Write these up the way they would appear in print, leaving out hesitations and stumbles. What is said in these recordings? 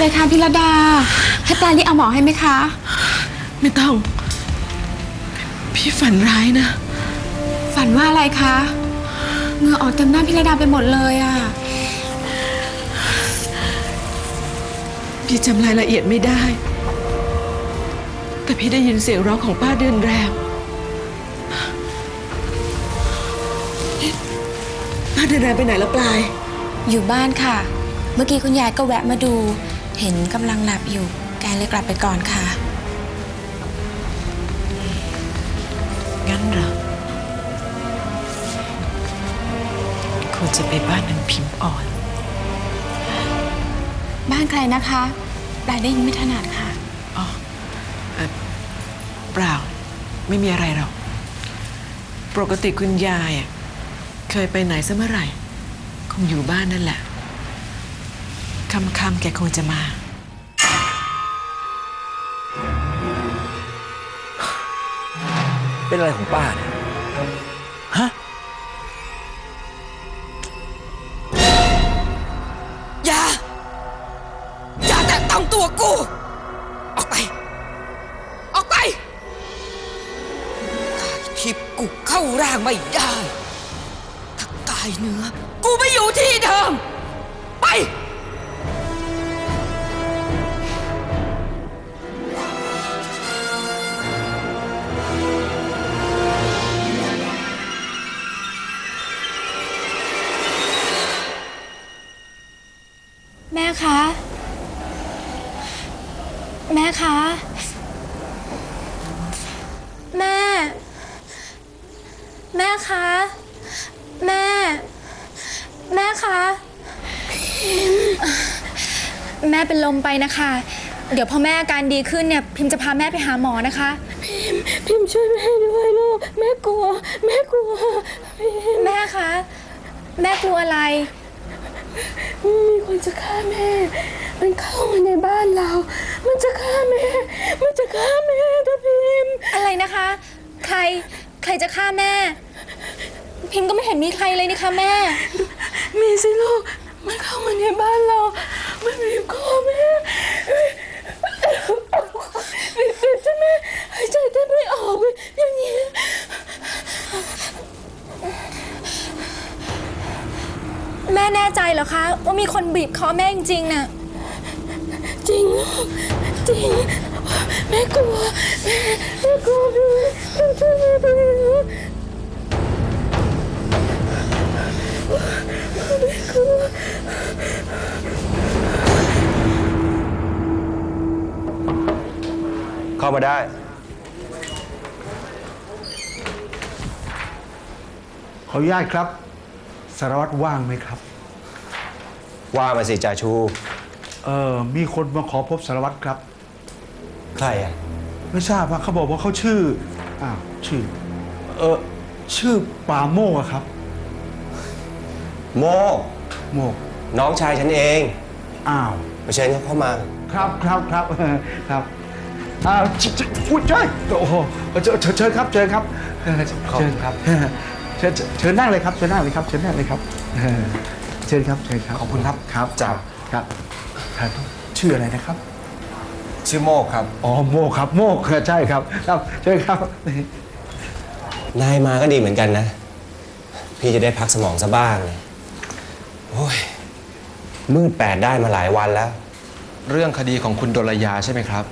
อะไรคะพิรดาให้ปลารีบเอาหมอให้ไหมคะไม่ต้องพี่ฝันร้ายนะฝันว่าอะไรคะเหงื่อออกเต็มหน้าพิรดาไปหมดเลยอ่ะพี่จำรายละเอียดไม่ได้แต่พี่ได้ยินเสียงร้องของป้าเดือนแรมป้าเดือนแรมไปไหนละปลายอยู่บ้านค่ะเมื่อกี้คุณยายก็แวะมาดูเห็นกำลังหลับอยู่แกเลยกลับไปก่อนค่ะงั้นเหรอควรจะไปบ้านนางพิมพ์อ่อนบ้านใครนะคะปลายได้ยินไม่ถนัดค่ะอ๋อเปล่าไม่มีอะไรหรอกปกติคุณยายเคยไปไหนซะเมื่อไหร่คงอยู่บ้านนั่นแหละค่ำๆแกคงจะมาเป็นอะไรของป้าเนี่ยฮะอย่าแตะต้องตัวกูออกไปกายทิพย์กูเข้าร่างไม่ได้ถ้ากายเนื้อกูไม่อยู่ที่เดิมไปแม่คะแม่คะแม่คะแม่คะแม่เป็นลมไปนะคะเดี๋ยวพอแม่อาการดีขึ้นเนี่ยพิมจะพาแม่ไปหาหมอนะคะพิมช่วยแม่ด้วยลูกแม่กลัวแม่คะแม่กลัวอะไรมีคนจะฆ่าแม่มันเข้ามาในบ้านเรามันจะฆ่าแม่นะพิมอะไรนะคะใครจะฆ่าแม่พิมก็ไม่เห็นมีใครเลยนี่คะแม่มีสิลูกมันเข้ามาในบ้านเรามันบีบคอแม่บีบจนแม่หายใจแทบไม่ออกอย่างนี้แม่แน่ใจเหรอคะว่ามีคนบีบคอแม่จริงๆน่ะจริงลูกจริงแม่กลัวแม่กลัวช่วยแม่ด้วยเข้ามาได้ขออนุญาตครับสารวัตรว่างไหมครับว่ามาสิจ่าชูมีคนมาขอพบสารวัตรครับใครอ่ะไม่ทราบว่าเขาบอกว่าเขาชื่อชื่อปาโมกครับโมน้องชายฉันเองมาเชิญเข้ามาครับพูดใช่โอ้โหเชิญครับเชิญครับเชิญนั่งเลยครับเชิญนั่งเลยครับขอบคุณครับครับชื่ออะไรนะครับชื่อโมกครับอ๋อโมกครับโมกใช่ครับเชิญครับนายมาก็ดีเหมือนกันนะพี่จะได้พักสมองซะบ้างโอ้ยมืดแปดได้มาหลายวันแล้วเรื่องคดีของคุณดลยาใช่ไหมครับ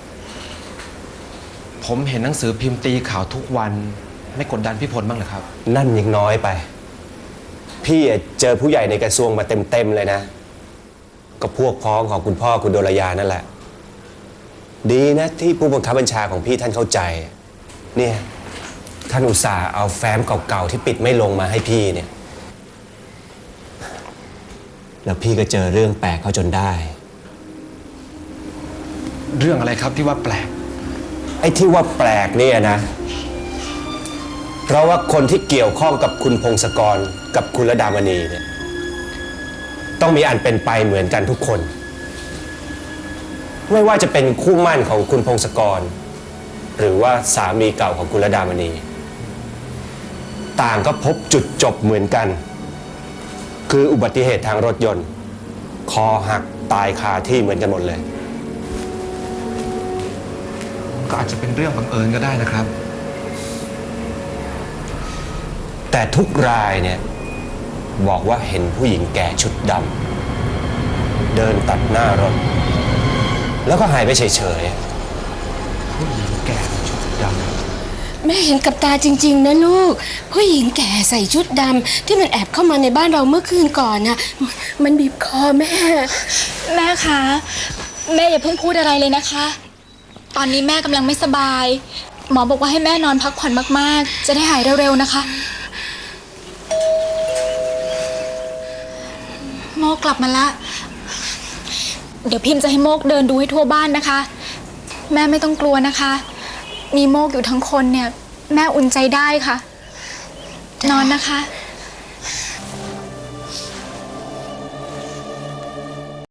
ผมเห็นหนังสือพิมพ์ตีข่าวทุกวันไม่กดดันพี่พลบ้างเหรอครับนั่นยังน้อยไปพี่เจอผู้ใหญ่ในกระทรวงมาเต็มเลยนะก็พวกพ้องของคุณพ่อคุณดลยานั่นแหละดีนะที่ผู้บังคับบัญชาของพี่ท่านเข้าใจเนี่ยท่านอุตส่าห์เอาแฟ้มเก่าๆที่ปิดไม่ลงมาให้พี่เนี่ยแล้วพี่ก็เจอเรื่องแปลกเข้าจนได้เรื่องอะไรครับที่ว่าแปลกไอ้ที่ว่าแปลกเนี่ยนะเพราะว่าคนที่เกี่ยวข้องกับคุณพงศกรกับคุณระดามณีเนี่ยต้องมีอันเป็นไปเหมือนกันทุกคนไม่ว่าจะเป็นคู่หมั่นของคุณพงศกรหรือว่าสามีเก่าของคุณระดามณีต่างก็พบจุดจบเหมือนกันคืออุบัติเหตุทางรถยนต์คอหักตายคาที่เหมือนกันหมดเลยก็อาจจะเป็นเรื่องบังเอิญก็ได้นะครับแต่ทุกรายเนี่ยบอกว่าเห็นผู้หญิงแก่ชุดดำเดินตัดหน้ารถ แล้วก็หายไปเฉยผู้หญิงแก่ชุดดำแม่เห็นกับตาจริงๆนะลูก ผู้หญิงแก่ใส่ชุดดำที่มันแอบเข้ามาในบ้านเราเมื่อคืนก่อนนะมันบีบคอแม่แม่คะ แม่อย่าเพิ่งพูดอะไรเลยนะคะ ตอนนี้แม่กำลังไม่สบาย หมอบอกว่าให้แม่นอนพักผ่อนมากๆ จะได้หายเร็วๆนะคะ โมกกลับมาละ เดี๋ยวพิมพ์จะให้โมกเดินดูให้ทั่วบ้านนะคะ แม่ไม่ต้องกลัวนะคะ มีโมกอยู่ทั้งคนเนี่ย แม่อุ่นใจได้ค่ะ นอนนะคะ